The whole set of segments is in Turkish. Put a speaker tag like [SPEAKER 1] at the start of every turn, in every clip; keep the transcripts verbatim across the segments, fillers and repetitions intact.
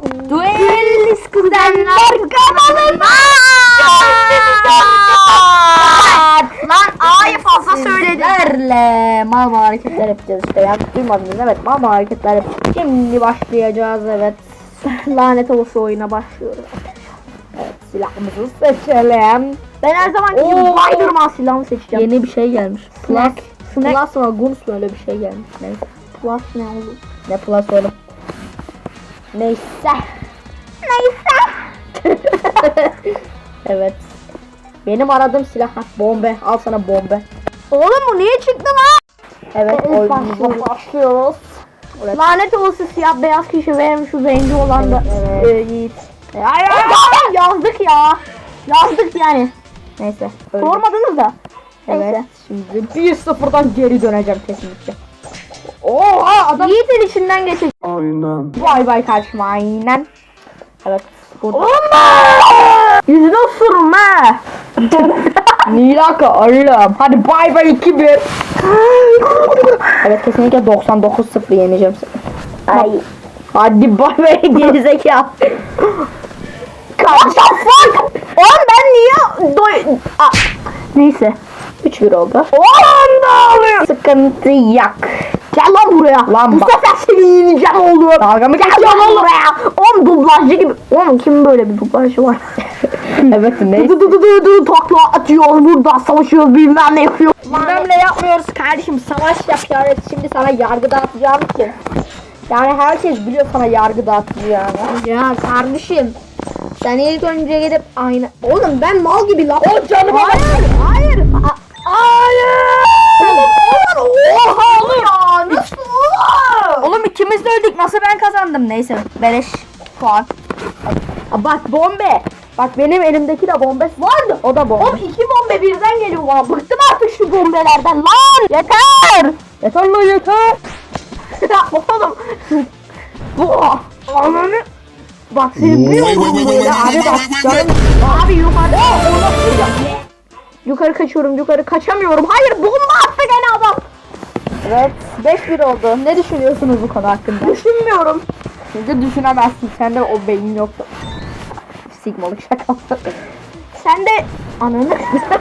[SPEAKER 1] Duelist kuzenler kanalına. Lan A'yı fazla söyledim.
[SPEAKER 2] Sizlerle mal mal hareketler yapacağız işte. Yanlış duymadınız, evet, mal mal hareketler yapacağız. Şimdi başlayacağız, evet. Lanet olası oyuna başlıyoruz. Evet, silahımızı seçelim.
[SPEAKER 1] Ben her zaman gibi
[SPEAKER 2] Oo.
[SPEAKER 1] Spiderman silahını seçeceğim.
[SPEAKER 2] Yeni bir şey gelmiş. Plus,
[SPEAKER 1] Snack. Snack.
[SPEAKER 2] Plus mı, Guns mu, öyle bir şey gelmiş. Neyse.
[SPEAKER 1] Plus ne olur?
[SPEAKER 2] Ne Plus oğlum? Neyse.
[SPEAKER 1] Neyse.
[SPEAKER 2] Evet. Benim aradığım silah ha, bombe. Al sana bombe.
[SPEAKER 1] Oğlum bu niye çıktı lan?
[SPEAKER 2] Evet,
[SPEAKER 1] Evet,
[SPEAKER 2] oyunumuza
[SPEAKER 1] başlıyoruz.
[SPEAKER 2] başlıyoruz. Evet.
[SPEAKER 1] Lanet olası siyah beyaz kişi verim şu zenci olan da
[SPEAKER 2] Evet, evet.
[SPEAKER 1] e, Yiğit. Ay, ay, ay, yazdık ya. Yazdık yani.
[SPEAKER 2] Neyse. öyle.
[SPEAKER 1] Sormadınız da.
[SPEAKER 2] Evet.
[SPEAKER 1] Neyse.
[SPEAKER 2] Şimdi bir sıfırdan geri döneceğim kesinlikle. Oha adam.
[SPEAKER 1] Yiğit'in içinden geçecek.
[SPEAKER 3] Aynen.
[SPEAKER 2] Vay vay karşıma aynen. Evet. Burada.
[SPEAKER 1] Yüzüne sürme.
[SPEAKER 2] Nilaka oğlum. Hadi bay bay iki bir. Evet, kesinlikle doksan dokuz sıfır yeneceğim seni.
[SPEAKER 1] Ay.
[SPEAKER 2] Hadi bay bay gerizekalı.
[SPEAKER 1] What the fuck? Oğlum ben niye doy... Aa, neyse.
[SPEAKER 2] üç bir oldu.
[SPEAKER 1] Oğlum ne oluyor?
[SPEAKER 2] Sıkıntı yok.
[SPEAKER 1] Gel lan buraya.
[SPEAKER 2] Lan
[SPEAKER 1] Bu
[SPEAKER 2] bak.
[SPEAKER 1] sefer seni yeneceğim oğlum.
[SPEAKER 2] Dalga mı
[SPEAKER 1] Gel
[SPEAKER 2] geçiyorsun
[SPEAKER 1] lan
[SPEAKER 2] oğlum?
[SPEAKER 1] buraya. Oğlum dublajcı gibi. Oğlum kim böyle bir dublajcı var?
[SPEAKER 2] Evet, neyse.
[SPEAKER 1] Dı dı dı dı dı takla atıyoruz burada savaşıyoruz bilmem ne yapıyoruz.
[SPEAKER 2] Bilmem ne yapmıyoruz kardeşim, savaş yapıyoruz. Şimdi sana yargı dağıtacağım için. Yani herkes biliyor sana yargı dağıtacağını.
[SPEAKER 1] Ya kardeşim. Sen ilk önce gidip aynı. Oğlum ben mal gibi laf.
[SPEAKER 2] O canıma bak.
[SPEAKER 1] Hayır. Hayır. A- hayır. Oğlum oğlum. Oha oğlum ya. Nasıl oğlum?
[SPEAKER 2] Oğlum ikimiz de öldük, nasıl ben kazandım? Neyse, beleş puan. Aa, bak bombe. Bak benim elimdeki de bombe vardı. O da bombe.
[SPEAKER 1] Oğlum iki bombe birden geliyor lan. Bıktım artık şu bombelerden lan. Yeter.
[SPEAKER 2] Yeter lan yeter.
[SPEAKER 1] Ya oğlum. Bu. Ananı. Bak seni bir
[SPEAKER 3] Wait, wait,
[SPEAKER 1] oğlum
[SPEAKER 3] wait,
[SPEAKER 1] böyle
[SPEAKER 3] wait,
[SPEAKER 1] abi
[SPEAKER 3] wait,
[SPEAKER 1] bak.
[SPEAKER 3] wait, wait,
[SPEAKER 1] canım- Abi yukarı. Yukarı kaçıyorum yukarı kaçamıyorum. Hayır bomba attı gene adam.
[SPEAKER 2] Evet, beş bir oldu. Ne düşünüyorsunuz bu konu hakkında?
[SPEAKER 1] Düşünmüyorum.
[SPEAKER 2] Şimdi düşünemezsin. Sende o beyin yoktu. Sigmalık şaka.
[SPEAKER 1] Sen de ananı.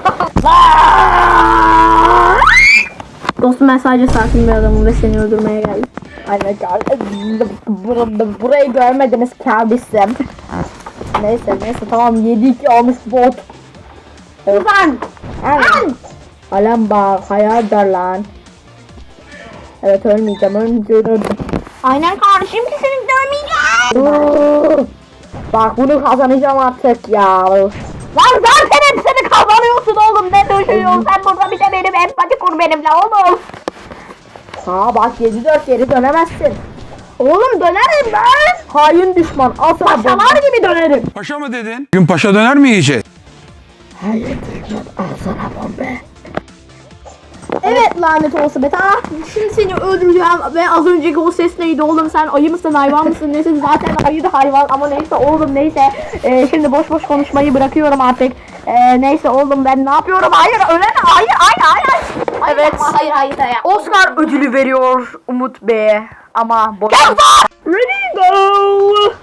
[SPEAKER 1] Dostum ben sadece sakin bir adamım ve seni öldürmeye geldim.
[SPEAKER 2] Aynen kardeşim. Bur- Burayı görmediniz kardeşim. Neyse neyse tamam, yedi iki olmuş bot. Evet.
[SPEAKER 1] Lan.
[SPEAKER 2] Lan. Alem bak, hayaldir lan. Evet, ölmeyeceğim, ölmeyeceğim, öldüm.
[SPEAKER 1] Aynen kardeşim kesinlikle ölmeyeceğim.
[SPEAKER 2] Bak bunu kazanacağım artık ya.
[SPEAKER 1] Lan zaten hepsini kazanıyorsun oğlum. Ne düşünüyorsun sen burada bir de benim empati kur benimle oğlum.
[SPEAKER 2] Ha bak, yedi dört geri dönemezsin.
[SPEAKER 1] Oğlum dönerim ben.
[SPEAKER 2] Hain düşman, al sana bomba.
[SPEAKER 1] Paşalar gibi dönerim.
[SPEAKER 3] Paşa mı dedin? Bugün paşa döner mi yiyeceğiz?
[SPEAKER 2] Hayır düşman, al sana bomba.
[SPEAKER 1] Evet lanet olsun be. Ah, şimdi seni öldüreceğim ve az önceki o ses neydi oğlum, sen ayı mısın hayvan mısın neyse, zaten ayı da hayvan ama neyse oğlum neyse. Ee, şimdi boş boş konuşmayı bırakıyorum artık. Ee, neyse oğlum ben ne yapıyorum, hayır öyle hayır hayır hayır. Hayır,
[SPEAKER 2] Evet.
[SPEAKER 1] yapma, hayır hayır hayır.
[SPEAKER 2] Oscar ödülü veriyor Umut Bey'e ama boş.
[SPEAKER 1] Ready go.